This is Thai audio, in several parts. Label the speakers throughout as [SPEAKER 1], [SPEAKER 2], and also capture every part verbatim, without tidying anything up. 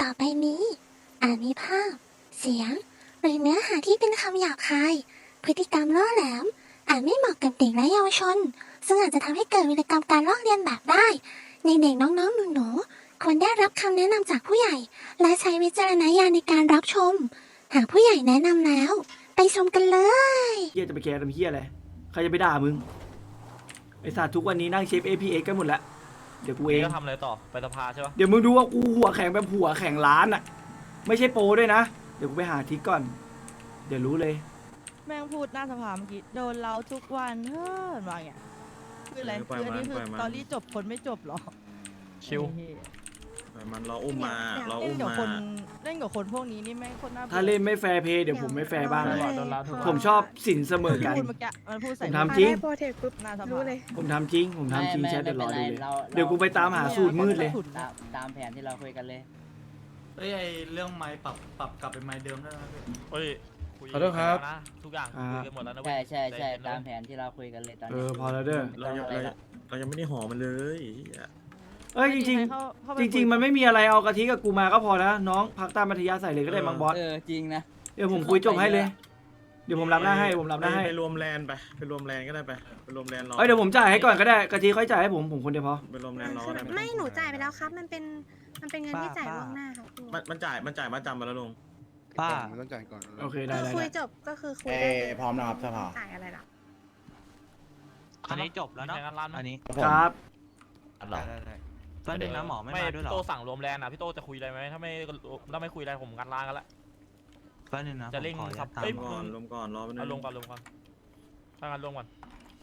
[SPEAKER 1] ต่อไปนี้อาจมีภาพ เสียง หรือเนื้อหาที่เป็นคำหยาบคาย พฤติกรรมล่อแหลม อาจไม่เหมาะกับเด็กและเยาวชน ซึ่งอาจจะทำให้เกิดวิกรรมการลอกเลียนแบบได้ ในเด็กน้องๆหนูๆควรได้รับคำแนะนำจากผู้ใหญ่ และใช้วิจารณญาณในการรับชม หากผู้ใหญ่แนะนำแล้ว ไปชมกันเลย
[SPEAKER 2] เฮียจะไปแคร์ทำเฮียอะไรใครจะไปด่ามึงไอสัตว์ทุกวันนี้นั่งเชฟ เอ พี เอ็กซ์ กันหมดแล้วเดี๋ยวกูเอง
[SPEAKER 3] ก็ทำอะไรต่อไปสภาใช่ปะ
[SPEAKER 2] เดี๋ยวมึงดูว่ากูหัวแข็งแบบหัวแข็งล้านอ่ะไม่ใช่โปรด้วยนะเดี๋ยวกูไปหาทิกก่อนเดี๋ยวรู้เลย
[SPEAKER 4] แม่งพูดหน้าสภาเมื่อกี้โดนเราทุกวันเฮ้ยว่าอย่างเงี้ยคืออะไร
[SPEAKER 5] เออปล่อย
[SPEAKER 4] คืออันนี้
[SPEAKER 5] มัน
[SPEAKER 4] คือ
[SPEAKER 5] ปล่อยมัน
[SPEAKER 4] ตอรี่จบคนไม่จบหรอ
[SPEAKER 3] ชิว
[SPEAKER 4] ไอ้เหี้ย
[SPEAKER 5] แต่มันเราอุ้มมาเรา
[SPEAKER 4] เล่
[SPEAKER 5] อุ้
[SPEAKER 4] น
[SPEAKER 5] ม
[SPEAKER 4] กับ
[SPEAKER 5] มา
[SPEAKER 4] คนเล่นกับคนพวกนี้นี่แม่งโคตรน่าบื่อ
[SPEAKER 2] ถ้าเล่นไม่แฟร์เพย์เดี๋ยวผมไม่แฟร์บ้าง
[SPEAKER 1] เดี๋ยว
[SPEAKER 4] โดนเราทุกวัน
[SPEAKER 2] ผมชอบสินเสมอกัน
[SPEAKER 4] พูดเมื่อกี้มันพูดใส่
[SPEAKER 2] ผมทำจริง
[SPEAKER 4] ได้โปรเทคปุ๊บหน้าสภารู้เลย
[SPEAKER 2] ผมทำจริงผมทำจริง
[SPEAKER 6] ไม่
[SPEAKER 2] แชท
[SPEAKER 6] ไม่
[SPEAKER 2] เดี๋ยวรอ
[SPEAKER 6] ไม่
[SPEAKER 2] ดู
[SPEAKER 6] เป็น
[SPEAKER 2] เลย
[SPEAKER 6] ไรเรา
[SPEAKER 2] เดี๋ยวกูไปตามหาสูตรมืดเลย
[SPEAKER 6] ตามตามแผนที่เราคุยกันเลย
[SPEAKER 7] เอ้ยไอเรื่องไม้ปรับปรับกลับเป็นไม้เดิมได้ไหมพี่
[SPEAKER 3] เฮ้ยคุย
[SPEAKER 8] ขอโทษครับ
[SPEAKER 3] นะทุกอย่างคุยกันหมดแล้วนะเว้
[SPEAKER 6] ใช่
[SPEAKER 3] ย
[SPEAKER 6] ใช่ใช่
[SPEAKER 3] เย็นๆนะ
[SPEAKER 6] ตามแผนที่เราคุยกันเลยตอน
[SPEAKER 2] เอ
[SPEAKER 6] นี้
[SPEAKER 2] อพอแล้วเด้อ
[SPEAKER 5] เรายังเรายังเรายังไม่ได้ห่อมันเลยเหี้ย
[SPEAKER 2] เอ้ยจริงๆจริง ๆ มันไม่มีอะไรเอากะทิกับกูมาก็พอนะน้องพักตามมัธยาใส่เลยก็ได้มังบอส
[SPEAKER 6] เออจริงนะ
[SPEAKER 2] เดี๋ยวผมคุยจบให้เลย เดี๋ยวผมรับหน้าให้ผมรับหน้าให้
[SPEAKER 5] ไปรวมแลนไปไปรวมแลนก็ได้ไปไปรวมแลนรอ
[SPEAKER 2] เอ้ยเดี๋ยวผมจ่ายให้ก่อนก็ได้กะทิค่อยจ่ายให้ผมผมคนเดียวพอ
[SPEAKER 5] ไปรวมแลนรอ
[SPEAKER 1] คือ
[SPEAKER 5] ก็ได้
[SPEAKER 1] ไม่หนูจ่ายไปแล้วครับ มันเป็นมันเป็นเงินที่จ่ายล่วงหน้าครับครู
[SPEAKER 5] มันมันจ่ายมันจ่ายมาจำมาแล้วลุง
[SPEAKER 8] ป้ามันต้องจ่ายก่อน
[SPEAKER 2] โอเคได้
[SPEAKER 1] คือ
[SPEAKER 2] ได้
[SPEAKER 1] คุย
[SPEAKER 2] ได้
[SPEAKER 1] จบก็คือคุย
[SPEAKER 9] เอ้
[SPEAKER 1] ได้
[SPEAKER 9] พร้อมนะครับสภา
[SPEAKER 1] จ่ายอะไรล่ะ
[SPEAKER 8] อันนี้จบแล้วเนาะ
[SPEAKER 3] มีใครงานร้านไหม
[SPEAKER 8] อันนี้
[SPEAKER 2] ครับ
[SPEAKER 8] ได้ได้ได้ตอนนึงนะหมอไม่มาด้วยเหรอ
[SPEAKER 3] พี่โตสั่งรวมแลนด์อ่ะพี่โตจะคุยอะไรไหมถ้าไม่ถ้าไม่คุยอะไรผมงานร้านกันละ
[SPEAKER 8] แป๊บนึงนะ
[SPEAKER 3] จะเร่ง
[SPEAKER 8] ผมขออนุญาต
[SPEAKER 3] ครับ
[SPEAKER 8] ตาม
[SPEAKER 3] เอ้ย
[SPEAKER 5] รวมก่อนรวมก่อนรอไปนึ
[SPEAKER 3] เอา
[SPEAKER 5] ง
[SPEAKER 3] ลงก่อนลงก่อนถ้างานลงก่อน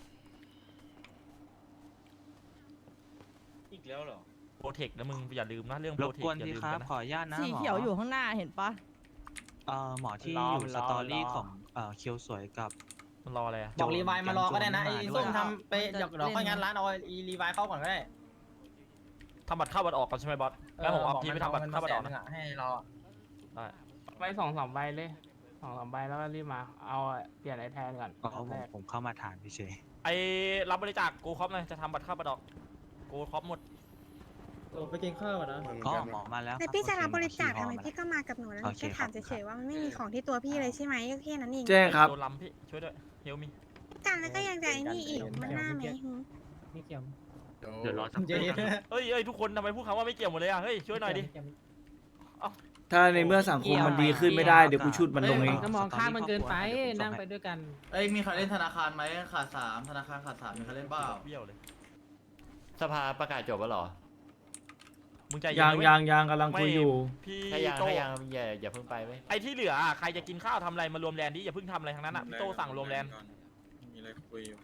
[SPEAKER 7] อีกแล้วเหรอ
[SPEAKER 3] โปรเทคนะมึงอย่าลืมนะเรื่อง
[SPEAKER 8] ร
[SPEAKER 3] โปร
[SPEAKER 8] บ
[SPEAKER 3] เทค
[SPEAKER 8] กวน
[SPEAKER 3] อย่า
[SPEAKER 8] ที
[SPEAKER 3] ลืม
[SPEAKER 8] ครับ
[SPEAKER 3] กันนะ
[SPEAKER 8] ขออนุญาตนะ
[SPEAKER 4] สี
[SPEAKER 8] หมอ
[SPEAKER 4] เขียวอยู่ข้างหน้าเห็นปะ
[SPEAKER 8] เอ่อหมอที่
[SPEAKER 3] รอ
[SPEAKER 8] อยู่
[SPEAKER 3] มัน
[SPEAKER 8] ส
[SPEAKER 3] รอ
[SPEAKER 8] ตอรี่
[SPEAKER 3] รอ
[SPEAKER 8] ของเอ่อเคียวสวยกับ
[SPEAKER 3] มันรออะไรอ่ะ
[SPEAKER 7] บอกรีไวล์มารอก็ได้นะ
[SPEAKER 8] โจ
[SPEAKER 7] ไอ้
[SPEAKER 8] ร
[SPEAKER 7] ส้ม
[SPEAKER 8] ด้วย
[SPEAKER 7] ทำไปเดี๋ยวเดี๋ยวค่อยงานร้านเอาไอ้รีไวล์เข้าก่อนก็ได้
[SPEAKER 3] ทำบัตรเข้าบัตรออกกันใช่ไหมบอสแล้วผมเอาพี่ไปทำบัตรเข้าบัตรออกนะ
[SPEAKER 7] ให้เรา
[SPEAKER 3] ได้
[SPEAKER 10] ไปสองสามใบเลยสองสามใบแล้วก็รีบมา เอาเปลี่ยนไอแทนก่อน
[SPEAKER 8] อ๋อผม
[SPEAKER 10] แรก
[SPEAKER 8] ผมเข้ามาถามเฉย
[SPEAKER 3] ไอ้รับบริจาคกูครอปเลยจะทำบัตรเข้าบัตรออกกูครอปหมด
[SPEAKER 7] ไปกินข้าวก่อนนะ
[SPEAKER 8] ๆก็หมอมาแล้ว
[SPEAKER 1] แต่พี่จะ
[SPEAKER 8] โอ
[SPEAKER 1] รับ
[SPEAKER 8] เค
[SPEAKER 1] บริจาค
[SPEAKER 8] หมอ
[SPEAKER 1] ทำไม
[SPEAKER 8] มา
[SPEAKER 1] พี่ก็มากับหนูแล้ว
[SPEAKER 8] โอเค
[SPEAKER 1] แค่ถาม
[SPEAKER 8] ครับ
[SPEAKER 1] เฉยๆว่ามันไม่มีของที่ตัวพี่เลยใช่ไหมก็แค่นั้นเอง
[SPEAKER 2] แจ้งครับ
[SPEAKER 3] โดนลำพี่ช่วยด้วยเฮลมี
[SPEAKER 1] กันแล้วก็ยังจะไอ้นี่อีกมันหน้าไหมหือ
[SPEAKER 7] ไม่เกี่ยว
[SPEAKER 8] เดี๋ยวรอสัก
[SPEAKER 7] เจ๊
[SPEAKER 3] เฮ้ยเฮ้ยทุกคนทำไมพูดคำว่าไม่เกี่ยวหมดเลยอ่ะเฮ้ยช่วยหน่อยดิ
[SPEAKER 2] ถ้าในเมื่อสังคมมันดีขึ้นไม่ได้เดี๋ยวกูชุดมันลงเอง
[SPEAKER 10] ก็มองข้ามมันเกินไปนั่งไปด้วยกัน
[SPEAKER 7] เอ้ยมีใครเล่นธนาคารไหมขาดสามธนาคารขาดสามมีใครเล่นเปล่า
[SPEAKER 3] เบี้ยวเลย
[SPEAKER 11] สภาประกาศจบแล้วเหรอ
[SPEAKER 3] มึงใจเย็
[SPEAKER 2] ยัง
[SPEAKER 3] นนะเว้
[SPEAKER 2] ยังยังกำลังคุยอยู่
[SPEAKER 3] พี่
[SPEAKER 11] ถ้ายัง
[SPEAKER 3] โต
[SPEAKER 11] ถ้ายังอย่าอย่าเพิ่งไปไหม
[SPEAKER 3] ไอ้ที่เหลืออะใครจะกินข้าวทำอะไรมารวมแลนด์ดิอย่าเพิ่งทำอะไรทั้งนั้นอ่ะพี่โตสั่งรวมแลนด์
[SPEAKER 5] มีอะไรคุยอยู่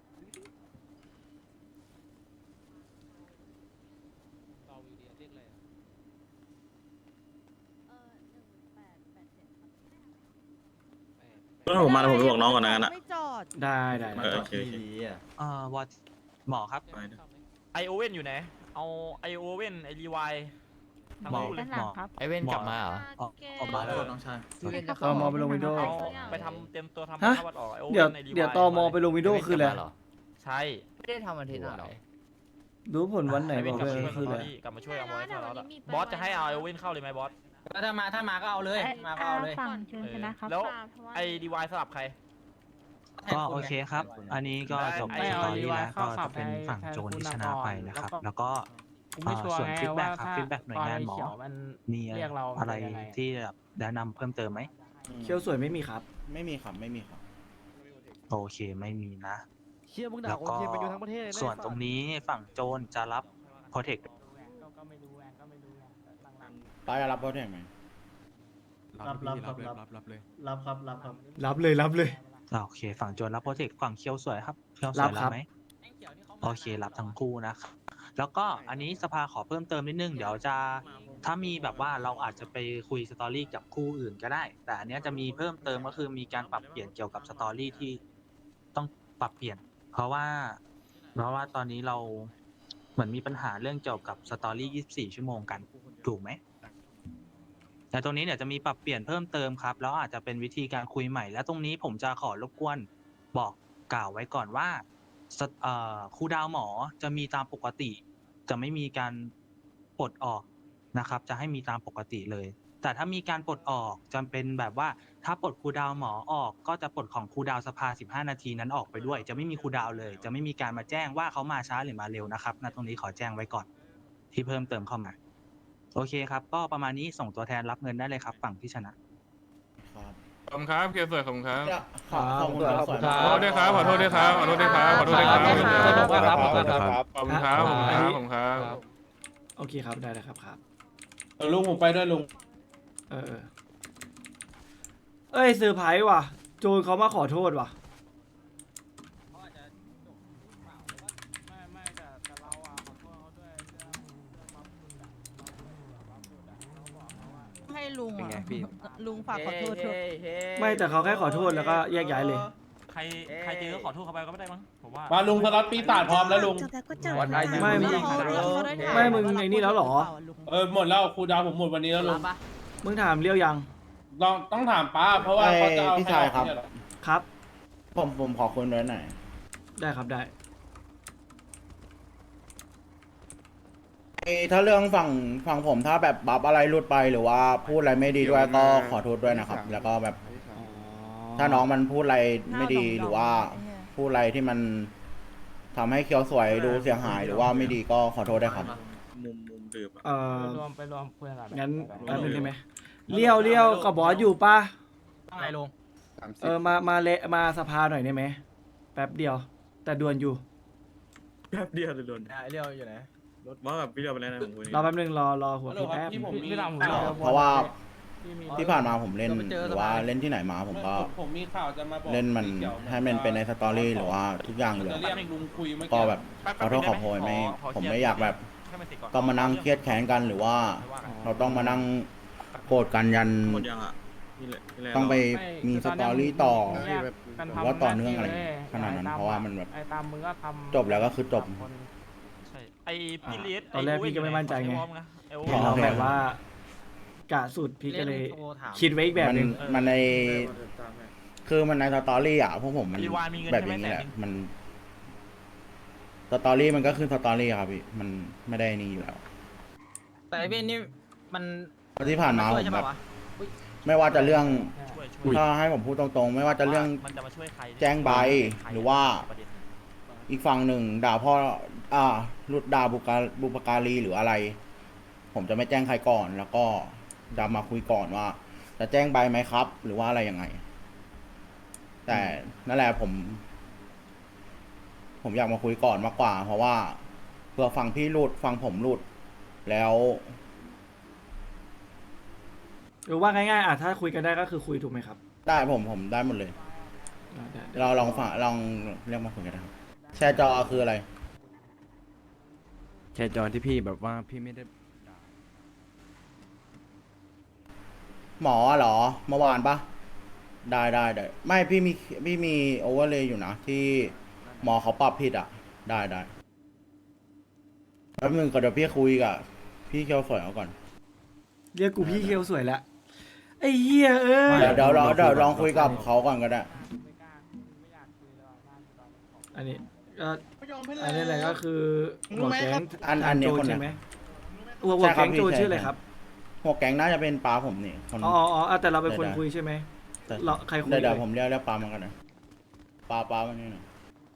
[SPEAKER 5] ถ้าผมมาแล้วผมไปบอกน้องก่อนนะงั้นอะ
[SPEAKER 4] ไม่จอด
[SPEAKER 2] ได้ได้
[SPEAKER 5] เอ
[SPEAKER 2] ได้
[SPEAKER 5] อโอเคโอเค
[SPEAKER 8] เอ่อวอดหมอครับ
[SPEAKER 5] ไปนะ
[SPEAKER 3] ไอโอเว่นอยู่ไหนเอาไอโอเว่นไอรีวายทั้ง
[SPEAKER 8] หมอ
[SPEAKER 3] คู่เลย
[SPEAKER 8] หมอ
[SPEAKER 11] ไอเว้นกลับมาเหรอ
[SPEAKER 8] ออกออกมา
[SPEAKER 7] มา
[SPEAKER 8] แล้
[SPEAKER 7] แล้ว วน้องชาย
[SPEAKER 2] ตอมอไปลงวิดีโอ
[SPEAKER 3] เอาไปทำเตรียมตัวทำ
[SPEAKER 2] ฮะ
[SPEAKER 3] ข้าวบัตรออกไอโอ
[SPEAKER 2] เดี๋ยว
[SPEAKER 3] เว่นไอรีวาย
[SPEAKER 2] เดี๋ยวตอมอไปลงวิดีโอคืออะไร
[SPEAKER 11] เหรอ
[SPEAKER 3] ใช่
[SPEAKER 11] ไม่ได้ทำอาทิตย์หรอ
[SPEAKER 2] รู้ผลวันไหน
[SPEAKER 3] ไอ
[SPEAKER 2] บ
[SPEAKER 3] เว่
[SPEAKER 2] อน ก
[SPEAKER 11] กลั
[SPEAKER 2] เล
[SPEAKER 11] บ
[SPEAKER 2] ย
[SPEAKER 11] มา
[SPEAKER 2] คืออะไร
[SPEAKER 3] กลับมาช่วยเอาไว้ก่อนแล้วบอสจะให้เอาไอโอเว่นเข้าเลยไหมบอส
[SPEAKER 7] แล้วถ้ามาถ้ามาก็เอาเลยมาก็เอาเลย
[SPEAKER 1] ฝั่งเชิญชนะครับ
[SPEAKER 3] แล้วไอรีวายสลับใคร
[SPEAKER 8] ก็โอเคครับ อันนี้ก็จบ
[SPEAKER 3] ไม่
[SPEAKER 8] ส
[SPEAKER 3] เอา
[SPEAKER 8] ตอรี่
[SPEAKER 10] รีไว
[SPEAKER 8] แล้ว
[SPEAKER 10] เข้า
[SPEAKER 8] ก็
[SPEAKER 10] ขั
[SPEAKER 8] จะ
[SPEAKER 10] บ
[SPEAKER 8] เป็น
[SPEAKER 10] ให้
[SPEAKER 8] ฝั่ง
[SPEAKER 10] แทน
[SPEAKER 8] โจน
[SPEAKER 10] คุณ
[SPEAKER 8] ที่ช
[SPEAKER 10] น
[SPEAKER 8] นะ
[SPEAKER 10] คร
[SPEAKER 8] ไปนะครับ
[SPEAKER 10] แล้วก็
[SPEAKER 8] แล้วก็
[SPEAKER 10] กูไม่ชัวร์
[SPEAKER 8] ส่วน
[SPEAKER 10] ไง
[SPEAKER 8] ฟีดแบ็
[SPEAKER 10] ว่าก
[SPEAKER 8] ครับ
[SPEAKER 10] ถ้า
[SPEAKER 8] ฟีดแบ็กหน่วยงานหมอ
[SPEAKER 10] เขียวมัน
[SPEAKER 8] มี
[SPEAKER 10] เรียกเรา
[SPEAKER 8] อะไร
[SPEAKER 10] ยังไง
[SPEAKER 8] ที่แบบแนะนำเพิ่มเติมไหม
[SPEAKER 2] เคี้ยวสวยไม่มีครับ
[SPEAKER 9] ไม่มีครับ ไม่มีครับ
[SPEAKER 8] โอเคไม่มีนะ
[SPEAKER 7] เชี่ยมึง
[SPEAKER 8] แล้
[SPEAKER 7] ด่าว โอ
[SPEAKER 8] ก็
[SPEAKER 7] เคไปอยู่ทั้งประเทศเลยนะ
[SPEAKER 8] ส่วนตรงนี้ฝั่งโจรจะรับโปรเทค
[SPEAKER 10] ก็ก็ไม่รู้แวนก็ไม่รู้ไงหลัง
[SPEAKER 9] ป้าจะรับโปรเทคไหม
[SPEAKER 7] รับรับรับรับรับเลยรับครับรับครับ
[SPEAKER 2] รับเลยรับเลย
[SPEAKER 8] อ่าโอเค ฝั่งโจรรับโปรเทคฝั่งเคียวสวยครับเคียวส
[SPEAKER 2] รั
[SPEAKER 8] วย
[SPEAKER 2] บ
[SPEAKER 8] รั
[SPEAKER 2] ครับ บ
[SPEAKER 8] ไหมโอเครับทั้งคู่นะครับแล้วก็อันนี้สภาขอเพิ่มเติมนิดนึงเดี๋ยวจะถ้ามีแบบว่าเราอาจจะไปคุยสตอรี่กับคู่อื่นก็ได้ แต่อันเนี้ยจะมีเพิ่มเติมก็คือมีการปรับเปลี่ยนเกี่ยวกับสตอรี่ที่ต้องปรับเปลี่ยน เพราะว่าเพราะว่าตอนนี้เราเหมือนมีปัญหาเรื่องเกี่ยวกับสตอรี่ยี่สิบสี่ชั่วโมงกันถูกไหมแต่ตรงนี้เนี่ยจะมีปรับเปลี่ยนเพิ่มเติมครับแล้วอาจจะเป็นวิธีการคุยใหม่ และตรงนี้ผมจะขอรบกวนบอกกล่าวไว้ก่อนว่าสตเอ่อครูดาวหมอจะมีตามปกติ จะไม่มีการปลดออกนะครับ จะให้มีตามปกติเลย แต่ถ้ามีการปลดออกจำเป็นแบบว่าถ้าปลดครูดาวหมอออกก็จะปลดของครูดาวสภาสิบห้านาทีนั้นออกไปด้วย จะไม่มีครูดาวเลย จะไม่มีการมาแจ้งว่าเขามาช้าหรือมาเร็วนะครับณตรงนี้ขอแจ้งไว้ก่อนที่เพิ่มเติมเข้ามาโอเคครับก็ประมาณนี้ส่งตัวแทนรับเงินได้เลยครับฝั่งที่ชนะ
[SPEAKER 9] ครับ
[SPEAKER 3] ขอบคุณครับเคสวยขอบคุณครับ
[SPEAKER 9] ขอขอบคุณครับ
[SPEAKER 3] ขอโทษด้วยครับขอโทษด้วยครับขอโทษด้วยครับขอโทษด้วยครับ
[SPEAKER 9] ขอบคุณครับ
[SPEAKER 3] ขอบคุณครับขอบคุณครับขอบคุณครับ
[SPEAKER 2] โอเคครับได้แล้วครับครับ
[SPEAKER 9] ลุงผมไปด้วยลุง
[SPEAKER 2] เออเออเอ้ยเซอร์ไพรส์ว่ะ โจนเขามาขอโทษว่ะ
[SPEAKER 10] ไม่ไม่แต่แต่เราอ่ะขอโทษเขาด้วยเรื่องเรื่องบัฟสุดอะบัฟสุดอะเราบอกเขาว่า
[SPEAKER 4] ให้ลุงอ่ะลุงฝากขอโทษเถอะ
[SPEAKER 2] ไม่แต่เขาแค่ขอโทษแล้วก็แยกย้ายเลย
[SPEAKER 3] ใครใครเจอก็ขอโทษเขาไปก็ไม่ได้มั้งผมว่า
[SPEAKER 9] มาลุงสล็อตปีศาจพร้อมแล้วลุง
[SPEAKER 1] จบแล้วก็จบ
[SPEAKER 2] ไม่มึง
[SPEAKER 4] เขาเขาได้ถา
[SPEAKER 2] ไม่มึงไอ้นี่แล้วเหรอ
[SPEAKER 9] เออหมดแล้วครูดาวผมหมดวันนี้แล้วลุง
[SPEAKER 2] มึงถามเรียวยัง
[SPEAKER 9] ลองต้องถามป้าเพราะว่าเขาจะเอาพี่ชายครับ
[SPEAKER 2] ครับ
[SPEAKER 9] ผมผมขอคุยด้วยหน่อย
[SPEAKER 2] ได้ครับได้
[SPEAKER 9] ถ้าเรื่องฝั่งฝั่งผมถ้าแบบบัฟอะไรหลุดไปหรือว่าพูดอะไรไม่ดีด้วยก็ขอโทษด้วยนะครับ แล้วก็แบบถ้าน้องมันพูดอะไรไม่ดีหรือว่าพูดอะไรที่มันทำให้เคียวสวยดูเสียหายหรือว่าไม่ดีก็ขอโทษได้วยครับ
[SPEAKER 5] มุมมุมดื่มอะ
[SPEAKER 2] เอ่อ
[SPEAKER 10] ไปรวมไปรวมคุยกัน
[SPEAKER 2] งั้นแป๊บนึงได้ไหมเลี้ยวเลี้ยวกับบอสอยู่ป่ะ
[SPEAKER 3] อะไรลง
[SPEAKER 2] เออ มา มาเละมาสภาหน่อยได้ไหม แป๊บเดียว แต่ด่วนอยู่
[SPEAKER 5] แป๊บเดียวเลยโดน
[SPEAKER 3] เรียวอยู่ไหน
[SPEAKER 5] ว่าแบบพี่เดียวไปแล้วนะผมคุย
[SPEAKER 2] รอแป๊บนึง รอ รอหัวพี่แป๊บ
[SPEAKER 10] พี่พี่ทำผม
[SPEAKER 9] เพราะว่า
[SPEAKER 10] พี่มี
[SPEAKER 9] ที่ผ่านมาผมเล่นหรือว่าเล่นที่ไหนมาผมก็
[SPEAKER 7] ผมมีข่าวจะมาบอก
[SPEAKER 9] เล่นมันให้มันเป็นในสตอรี่หรือว่าทุกอย่างเลย
[SPEAKER 7] จะเรียกลุงคุยเมื่อ
[SPEAKER 9] ก็
[SPEAKER 7] กี้
[SPEAKER 9] แบบขอโทษขอโพยไม่ผมไม่อยากแบบต้องมานั่งเครียดแค้นกันหรือว่า เราต้องมานั่งโกรธกันยัน
[SPEAKER 5] หมดยังอ่ะพี่เลยพี่เลย
[SPEAKER 9] ต้องไป
[SPEAKER 10] ไม่
[SPEAKER 9] มี
[SPEAKER 10] คื
[SPEAKER 9] ส
[SPEAKER 10] น
[SPEAKER 9] ต
[SPEAKER 10] นี้
[SPEAKER 9] อรี่ต่อ
[SPEAKER 10] มึงแยกกัน
[SPEAKER 9] ห
[SPEAKER 10] ทำ
[SPEAKER 9] รือว่าต่อเนื่องอะไร
[SPEAKER 10] หาที่ลย
[SPEAKER 9] ขนาดนั้น
[SPEAKER 10] ไอ้ต
[SPEAKER 9] เพราะว่ามันแบบ
[SPEAKER 10] ไอ้ตามมึงก็ทำ
[SPEAKER 9] จบแล้วก็คือจบ
[SPEAKER 10] สามคน
[SPEAKER 3] ใช่ไอพี่เลส
[SPEAKER 2] ตอนแรกพี่ก็ไม่มั่นใจไง
[SPEAKER 3] ไอ้โอ
[SPEAKER 2] เห็น
[SPEAKER 3] เว
[SPEAKER 2] เรา
[SPEAKER 3] อร์
[SPEAKER 2] แบบว่า กะสุดพี่ก็เลย คิดไว้อีกแบบ
[SPEAKER 9] มัน
[SPEAKER 2] หนึง
[SPEAKER 9] มันในคือมันในสตอรี่อ่ะพวกผมมัน
[SPEAKER 3] รีวานมีเงิน
[SPEAKER 9] แบบ
[SPEAKER 3] ใช่
[SPEAKER 9] อ
[SPEAKER 3] ไหม
[SPEAKER 9] ย่างนี้
[SPEAKER 3] แสน
[SPEAKER 9] แหละ
[SPEAKER 3] หนึ่ง
[SPEAKER 9] มันสตอรี่มันก็คือสตอรี่ครับพี่มันไม่ได้นี่อยู่แล้ว
[SPEAKER 6] แต่ไอ้เว้นนี่มัน
[SPEAKER 9] เพราะที่ผ่านมา
[SPEAKER 6] ช่
[SPEAKER 9] ผ
[SPEAKER 6] วย
[SPEAKER 9] ม
[SPEAKER 6] ใช่
[SPEAKER 9] แบ
[SPEAKER 6] ปะ
[SPEAKER 9] บ
[SPEAKER 6] วะ
[SPEAKER 9] ไม่ว่าจะเรื่อง
[SPEAKER 3] ช่วยช่วย
[SPEAKER 9] ถ้าให้ผมพูดตรงๆ ไม่ว่าจะเรื่อง
[SPEAKER 3] มันจะมาช่วยใคร
[SPEAKER 9] แจ้งใบหรือว่า
[SPEAKER 3] ประเด็น
[SPEAKER 9] อีกฝั่งหนึ่งด่าพ่ออ่าหลุดด่าบุกาบุปการีหรืออะไร ผมจะไม่แจ้งใครก่อน แล้วก็จะมาคุยก่อนว่า จะแจ้งใบไหมครับ หรือว่าอะไรยังไง แต่นั่นแหละผม ผมอยากมาคุยก่อนมากกว่า เพราะว่าเผื่อฟังพี่หลุดฟังผมหลุด แล้ว
[SPEAKER 2] หรือว่าง่ายๆอ่ะถ้าคุยกันได้ก็คือคุยถูกไหมครับ
[SPEAKER 9] ได้ผมผมได้หมดเลย
[SPEAKER 2] อ่าได้ได้
[SPEAKER 9] เราลองฟังลองเรียกมาคุยกันนะครับแชร์จอคืออะไร
[SPEAKER 11] แค่จอนที่พี่แบบว่าพี่ไม่ได้
[SPEAKER 9] หมอเหรอเมื่อวานปะได้ได้ได้ไม่พี่มีพี่มีโอเวอร์เลยอยู่นะ ที่หมอเขาปรับผิดอ่ะ ได้ได้แป๊บนึงก็เดี๋ยวพี่คุยกับพี่เคียวสวยเอาก่อน
[SPEAKER 2] เรียกกูพี่เคียวสวยแล้วไอ้เหี้ยเอ้ย
[SPEAKER 9] เดี๋ยวเดี๋ยวเราเดี๋ยวลองคุยกับเขาก่อนก็ได้
[SPEAKER 10] ไม่กล้าไม่อยากคุยแล้วอะหน้าตอนนี้ขอ
[SPEAKER 2] อันนี้ก็อันนี้อะไรก็คือหัวแก๊ง
[SPEAKER 9] อันอันนี้
[SPEAKER 2] โจ
[SPEAKER 9] คนไหน
[SPEAKER 2] ใช่ไหมหัวหัวแก๊งโจ
[SPEAKER 9] ใช่ครับ
[SPEAKER 2] ชื่ออะไรครับ
[SPEAKER 9] หัวแก๊งน่าจะเป็นปลาผมนี่คน
[SPEAKER 2] อ๋ออ๋ออ๋อแต่เราเป็นคน
[SPEAKER 9] ได้ได้
[SPEAKER 2] คุยใช่ไหม
[SPEAKER 9] แต่
[SPEAKER 2] เราใครคุย
[SPEAKER 9] เดี๋ยวเดี๋ยว
[SPEAKER 2] เลย
[SPEAKER 9] ผมเรียกเรียกปลามากันนะปลาปลาวันนี้หน่อย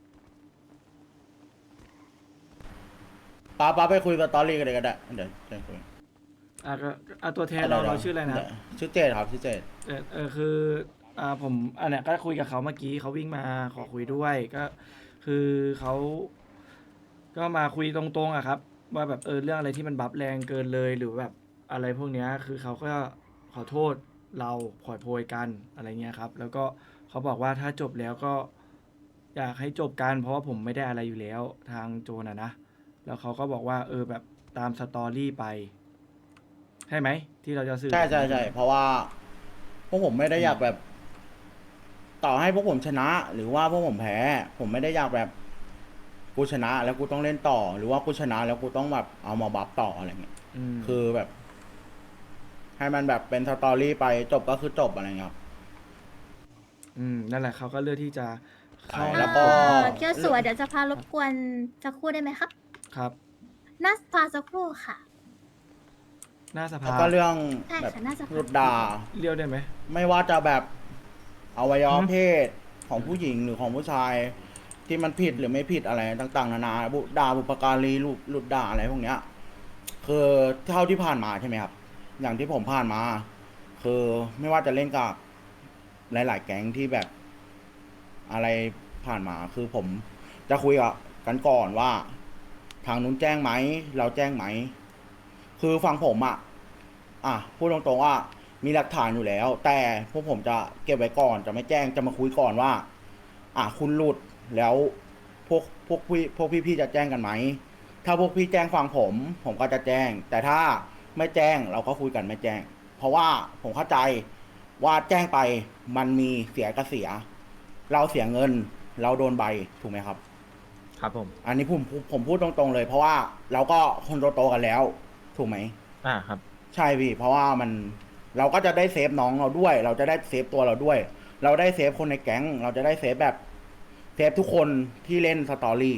[SPEAKER 9] ปลาปลาไปคุยกับตอรี่กันเลยก็ได้เดี๋ยวจะคุย
[SPEAKER 2] อ่ะก็อ่ะตัวแทนเราเราชื่ออะไรนะ
[SPEAKER 9] ชื่อเจดครับชื่อเจด
[SPEAKER 2] เออเออคืออ่าผมอันเนี้ยก็คุยกับเขาเมื่อกี้เขาวิ่งมาขอคุยด้วยก็คือเขาก็มาคุยตรงๆอะครับ ว่าแบบเออเรื่องอะไรที่มันบัฟแรงเกินเลยหรือแบบอะไรพวกเนี้ยคือเขาก็ขอโทษเราขอโพยกันอะไรเงี้ยครับ แล้วก็เขาบอกว่าถ้าจบแล้วก็อยากให้จบกันเพราะว่าผมไม่ได้อะไรอยู่แล้วทางโจนอะนะแล้วเขาก็บอกว่าเออแบบตามสตอรี่ไปใช่ไหมที่เราจะสื่อ
[SPEAKER 9] ใช่ใช่ใช่เพราะว่าพวกผมไม่ได้อยากแบบ ต่อให้พวกผมชนะ หรือว่าพวกผมแพ้ ผมไม่ได้อยากแบบกูชนะ แล้วกูต้องเล่นต่อ หรือว่ากูชนะ แล้วกูต้องแบบเอามาบัฟต่ออะไรเงี้ย
[SPEAKER 2] ม
[SPEAKER 9] คือแบบ ให้มันแบบเป็นสตอรี่ไปจบก็คือจบอะไรเงี้ยครับ
[SPEAKER 2] อืมนั่นแหละเขาก็เลือกที่จะเข้า
[SPEAKER 9] แล้วก็
[SPEAKER 1] เคียวสวยเดี๋ยวจะพารบกวนสักครู่ได้ไหมครับ
[SPEAKER 2] ครับ
[SPEAKER 1] นัสพาสักครู่ค่ะ
[SPEAKER 2] หน้าส
[SPEAKER 9] แล้ว
[SPEAKER 2] ภา
[SPEAKER 9] ก็เรื่อง
[SPEAKER 1] ใช่
[SPEAKER 9] แบบ
[SPEAKER 1] ค่ะน่าจะ
[SPEAKER 9] หลุดด่า
[SPEAKER 2] เรียวได้ไหม
[SPEAKER 9] ไม่ว่าจะแบบอวัยวะ
[SPEAKER 2] อืม
[SPEAKER 9] เพศของผู้หญิงหรือของผู้ชาย ที่มันผิดหรือไม่ผิดอะไรต่างๆนานาบุด่าบุปการีหลุดหลุดด่าอะไรพวกเนี้ย คือเท่าที่ผ่านมาใช่ไหมครับ อย่างที่ผมผ่านมา คือไม่ว่าจะเล่นกับหลายๆแก๊งที่แบบอะไรผ่านมา คือผมจะคุยกับกันก่อนว่า ทางนู้นแจ้งไหมเราแจ้งไหม คือฟังผมอะอ่ะพูดตรงๆว่ามีหลักฐานอยู่แล้ว แต่พวกผมจะเก็บไว้ก่อนจะไม่แจ้งจะมาคุยก่อนว่า อ่ะคุณหลุดแล้วพวกพวกพี่พวกพี่ๆจะแจ้งกันไหม ถ้าพวกพี่แจ้งฟังผม ผมก็จะแจ้ง แต่ถ้าไม่แจ้งเราก็คุยกันไม่แจ้ง เพราะว่าผมเข้าใจว่าแจ้งไปมันมีเสียก็เสีย เราเสียเงิน เราโดนใบถูกไหมครับ
[SPEAKER 6] ครับผม
[SPEAKER 9] อันนี้ผมผมผมพูดตรงๆเลย เพราะว่าเราก็คนโตๆกันแล้ว ถูกไหม
[SPEAKER 6] อ่าครับ
[SPEAKER 9] ใช่พี่ เพราะว่ามันเราก็จะได้เซฟน้องเราด้วย เราจะได้เซฟตัวเราด้วย เราได้เซฟคนในแก๊ง เราจะได้เซฟแบบเซฟทุกคนที่เล่นสตอรี่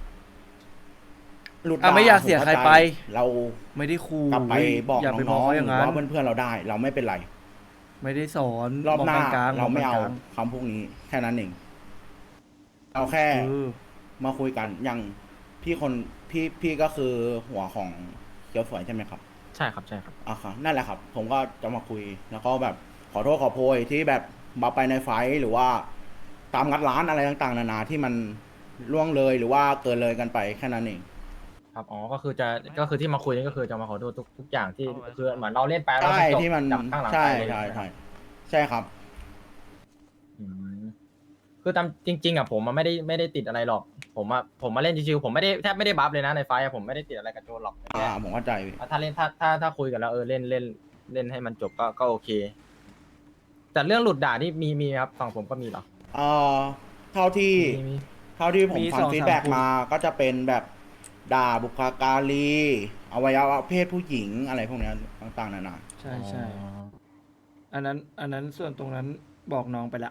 [SPEAKER 9] หลุด
[SPEAKER 2] อ่ะ
[SPEAKER 9] ด่
[SPEAKER 2] ไม่อยากเสียใครไป
[SPEAKER 9] เรา
[SPEAKER 2] ไม่ได้คู
[SPEAKER 9] กลับไปบอก
[SPEAKER 2] อย่าไป
[SPEAKER 9] น้
[SPEAKER 2] บ
[SPEAKER 9] อ
[SPEAKER 2] อก
[SPEAKER 9] ง
[SPEAKER 2] เขา
[SPEAKER 9] ๆ
[SPEAKER 2] อ
[SPEAKER 9] ห
[SPEAKER 2] ย่าง
[SPEAKER 9] รือ
[SPEAKER 2] นั้น
[SPEAKER 9] ว่าเพื่อนๆเราได้ เราไม่เป็นไร
[SPEAKER 2] ไม่ได้สอน
[SPEAKER 9] รอบหน้า
[SPEAKER 2] กกลงๆ
[SPEAKER 9] เราไม่เอา
[SPEAKER 2] บกกลง
[SPEAKER 9] คำพวกนี้แค่นั้นเองเราแค่
[SPEAKER 2] ๆเออ
[SPEAKER 9] มาคุยกันอย่างพี่คนพี่พี่ก็คือหัวของเกียวสวยใช่ไหมครับ
[SPEAKER 6] ใช่ครับใช่ครับ
[SPEAKER 9] อ่ะครับนั่นแหละครับ ผมก็จะมาคุยแล้วก็แบบขอโทษขอโพยที่แบบมาไปในไฟท์หรือว่า ตามงัดร้านอะไรต่างๆนานาที่มันล่วงเลยหรือว่าเกินเลยกันไปแค่นั้นเอง
[SPEAKER 6] ครับอ๋อก็คือจะก็คือที่มาคุยนี่ก็คือจะมาขอโทษทุกทุกอย่างที่คือเหมือนเราเล่นไปแล้ว
[SPEAKER 9] ใช่
[SPEAKER 6] จบ
[SPEAKER 9] ที่มัน
[SPEAKER 6] จับข้างหลัง
[SPEAKER 9] ใช่
[SPEAKER 6] ไปเลย
[SPEAKER 9] ใช่ใช่ใช่ครับ
[SPEAKER 6] อืมคือตามจริง ๆอ่ะผมมันไม่ได้ไม่ได้ติดอะไรหรอก ผมอ่ะผมมาเล่นชิวๆผมไม่ได้แทบไม่ได้บัฟเลยนะในไฟท์อะผมไม่ได้ติดอะไรกับโจนหรอก
[SPEAKER 9] อ่าผมเข้าใจพี่
[SPEAKER 6] ถ้าเล่นถ้าถ้าถ้าคุยกันแล้วเออเล่นเล่นเล่นให้มันจบก็ก็โอเค แต่เรื่องหลุดด่านี่มีมีครับฝั่งผมก็มีเหรอ
[SPEAKER 9] เอ่อเท่าที่
[SPEAKER 6] มีมี
[SPEAKER 9] เท่าที่ผม
[SPEAKER 2] มี
[SPEAKER 9] ฟั
[SPEAKER 2] ส
[SPEAKER 9] ง
[SPEAKER 2] อง
[SPEAKER 9] ฟีด
[SPEAKER 2] สาม
[SPEAKER 9] แบ็ก
[SPEAKER 2] คน
[SPEAKER 9] มาก็จะเป็นแบบด่าบุคการีอวัยวะเพศผู้หญิงอะไรพวกเนี้ยต่างๆนานา
[SPEAKER 2] ใช่ใช่
[SPEAKER 6] อ๋อ
[SPEAKER 2] อันนั้นอันนั้นส่วนตรงนั้นบอกน้องไปละ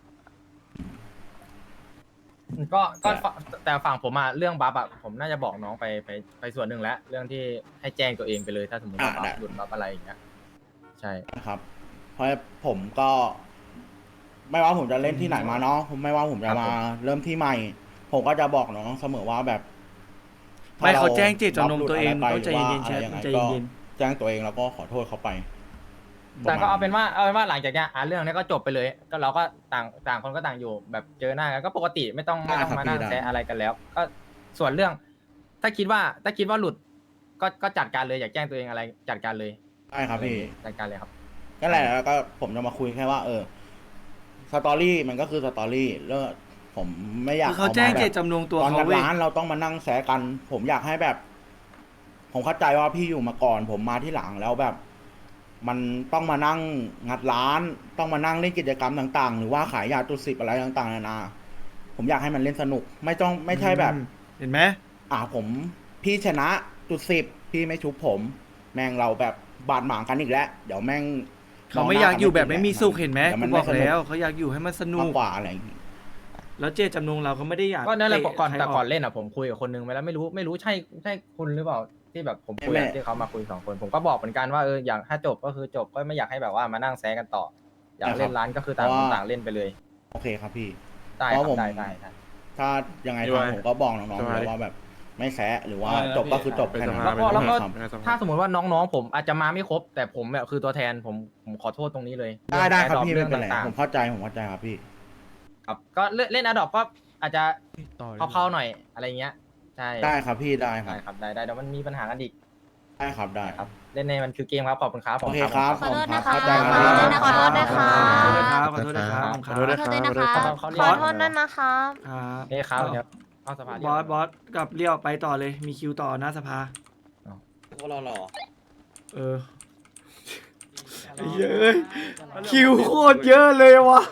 [SPEAKER 6] ก็ก็ฝแต่ฝั่งผมอะเรื่องบัฟอะผมน่าจะบอกน้องไปไปไปส่วนหนึ่งแล้ว เรื่องที่ให้แจ้งตัวเองไปเลยถ้าสมมติว่าบัฟหลุดบัฟอะไรอย่างเงี้ยใช่
[SPEAKER 9] นะครับ เพราะผมก็ ไม่ว่าผมจะเล่นที่ไหนมาเนาะผมไม่ว่าผมจะมาเริ่มที่ใหม่ ผมก็จะบอกน้องเสมอว่าแบบ
[SPEAKER 2] ไม่เขาแจ้งเจต
[SPEAKER 9] ถ้
[SPEAKER 2] จำนงตัวเอง
[SPEAKER 9] รา
[SPEAKER 2] ต้องใจเย็นๆ
[SPEAKER 9] ห
[SPEAKER 2] แช
[SPEAKER 9] รือ
[SPEAKER 2] ท
[SPEAKER 9] ว่าอะไร
[SPEAKER 2] ใจ
[SPEAKER 9] ยังไงก็
[SPEAKER 2] เย็น
[SPEAKER 9] แจ้งตัวเองแล้วก็ขอโทษเขาไป
[SPEAKER 6] แต่ก็เอาเป็นว่าเอาเป็นว่าหลังจากเนี้ยอ่ะเรื่องนี้ก็จบไปเลย ก็เราก็ต่างต่างคนก็ต่างอยู่แบบเจอหน้ากันก็ปกติไม่ต้องไม่ต้องมานั่งแซะอะไรกันแล้ว ก็ส่วนเรื่อง ถ้าคิดว่าถ้าคิดว่าหลุด ก็ก็จัดการเลยอยากแจ้งตัวเองอะไรจัดการเลย
[SPEAKER 9] ได้ครับพี่
[SPEAKER 6] จัดการเลยครับ
[SPEAKER 9] นั่นแหละแล้วก็ผมจะมาคุยแค่ว่า เออสตอรี่มันก็คือสตอรี่แล้วผมไม่อยาก
[SPEAKER 2] คือเขาแจ้ง
[SPEAKER 9] มแบบ
[SPEAKER 2] เจตจำนงตัว
[SPEAKER 9] ตอน
[SPEAKER 2] เขา
[SPEAKER 9] งัด
[SPEAKER 2] เว้ย
[SPEAKER 9] ร้านเราต้องมานั่งแซะกัน ผมอยากให้แบบ ผมเข้าใจว่าพี่อยู่มาก่อน ผมมาที่หลังแล้วแบบ มันต้องมานั่งงัดร้าน ต้องมานั่งเล่นกิจกรรมต่าง ๆ หรือว่าขายยาตุสิบอะไรต่างๆนานาผมอยากให้มันเล่นสนุก ไม่ต้องไม่ใช่แบบ
[SPEAKER 2] อืมเห็นไหม
[SPEAKER 9] อ่าผมพี่ชนะจุดสิบพี่ไม่ชุบผม แม่งเราแบบบาดหมางกันอีกแล้วเดี๋ยวแม่ง
[SPEAKER 2] เขาไม่อยากอยู่แบบไม่มีสุขเห็นไหม
[SPEAKER 9] ดี๋ยว
[SPEAKER 2] กู
[SPEAKER 9] มัน
[SPEAKER 2] บ
[SPEAKER 9] ไม่
[SPEAKER 2] อก
[SPEAKER 9] สนุ
[SPEAKER 2] แล้วเขาอยากอยู่ให้มันสนุ
[SPEAKER 9] มาก กกว่าอะไรอย่างงี้
[SPEAKER 2] แล้วเจตจำนงเราเขาไม่ได้อยาก
[SPEAKER 6] ก็นั่นแหละ
[SPEAKER 2] เตะ
[SPEAKER 6] ก่อน
[SPEAKER 2] ใคร
[SPEAKER 6] แต่ก่อน
[SPEAKER 2] ก
[SPEAKER 6] เล่นอ่ะผมคุยกับคนนึงไปแล้วไม่รู้ไม่รู้ใช่ใช่คุณหรือเปล่าที่แบบผมคุยอะที่เขามาคุยสองคน ผมก็บอกเหมือนกันว่าเอออย่างถ้าจบก็คือจบก็ไม่อยากให้แบบว่ามานั่งแซะกันต่อ อยากเล่นร้านก็คือต่างคนต่างเล่นไปเลย
[SPEAKER 9] โอเคครับพี่
[SPEAKER 6] ได้ค
[SPEAKER 9] เพ
[SPEAKER 6] รับ
[SPEAKER 9] ราะผม
[SPEAKER 6] ได้ได้ได้
[SPEAKER 9] ถ้ายังไง
[SPEAKER 5] พี่ว่า
[SPEAKER 9] ทางผมก็บอกน้องๆ
[SPEAKER 5] ส
[SPEAKER 9] อยู่
[SPEAKER 5] บาย
[SPEAKER 9] แล้วว่าแบบ ไม่แซะหรือว่า
[SPEAKER 5] ได้
[SPEAKER 9] จบก็คือจบ
[SPEAKER 5] เป็น
[SPEAKER 9] แค่
[SPEAKER 5] ส
[SPEAKER 9] นั้น
[SPEAKER 5] ภา
[SPEAKER 6] แล้วก็แล้วก็
[SPEAKER 9] ครับ
[SPEAKER 6] ถ้าสมมติว่าน้องๆผมอาจจะมาไม่ครบ แต่ผมแบบคือตัวแทนผมผมขอโทษตรงนี้เลย
[SPEAKER 9] ได้ได้ครับ
[SPEAKER 6] เอง
[SPEAKER 9] พี่
[SPEAKER 6] แอ
[SPEAKER 9] ไม่เป็นไร
[SPEAKER 6] ต่าง
[SPEAKER 9] ผมเข้าใจผมเข้าใจครับพี่
[SPEAKER 6] ๆครับก็เล่นเล่นอดอปก็อาจจะ
[SPEAKER 11] ต่อลย
[SPEAKER 6] เข้าๆหน่อยอะไรเงี้ยใช่
[SPEAKER 9] ได้ครับพี่ได้ครั
[SPEAKER 6] ได้
[SPEAKER 9] บ
[SPEAKER 6] ครับได้ได้เดี๋ยวมันมีปัญหากันอีก
[SPEAKER 9] ได้ครับได้
[SPEAKER 6] ครับเล่นในมันคือเกมครับขอบคุณครับ
[SPEAKER 9] โอเคครับ
[SPEAKER 1] ขอโทษนะคะ
[SPEAKER 9] เข้าใจค
[SPEAKER 1] ขอ
[SPEAKER 9] รับ
[SPEAKER 1] โทษนะคะขอโทษนะคะ
[SPEAKER 2] ขอโทษนะครับขอโทษนะครับ
[SPEAKER 5] ขอโทษนะ
[SPEAKER 1] ขอโทษด้วยนะคะ
[SPEAKER 6] เขาเรี
[SPEAKER 1] ข
[SPEAKER 6] ยก
[SPEAKER 1] อโทษด้วยนะคะ
[SPEAKER 2] ครับ
[SPEAKER 6] เอ้ครับเดี๋ยวเข้าสภา
[SPEAKER 2] บอสบอสกับเลี้ยวไปต่อเลยมีคิวต่อหน้าสภา
[SPEAKER 5] พวกเราหรอ
[SPEAKER 2] เออ เยอะคิวโคตรเยอะเลยวะ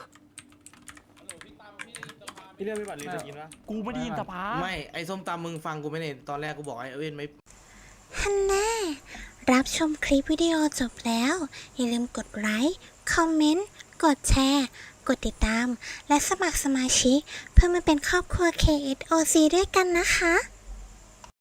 [SPEAKER 5] พี่เรื่องพี่บัตรลีจะกินปะ
[SPEAKER 3] กูไม่ได้ยินสภา
[SPEAKER 5] ไม่ ไอ้ส้มตำมึงฟังกูไม่เนี่ยตอนแรกกูบอกไอ้เว้นไม่
[SPEAKER 1] ฮันน่ารับชมคลิปวิดีโอจบแล้ว อย่าลืมกดไลค์ คอมเมนต์ กดแชร์ กดติดตาม และสมัครสมาชิก เพื่อมาเป็นครอบครัว เค เอส โอ ซี ด้วยกันนะคะ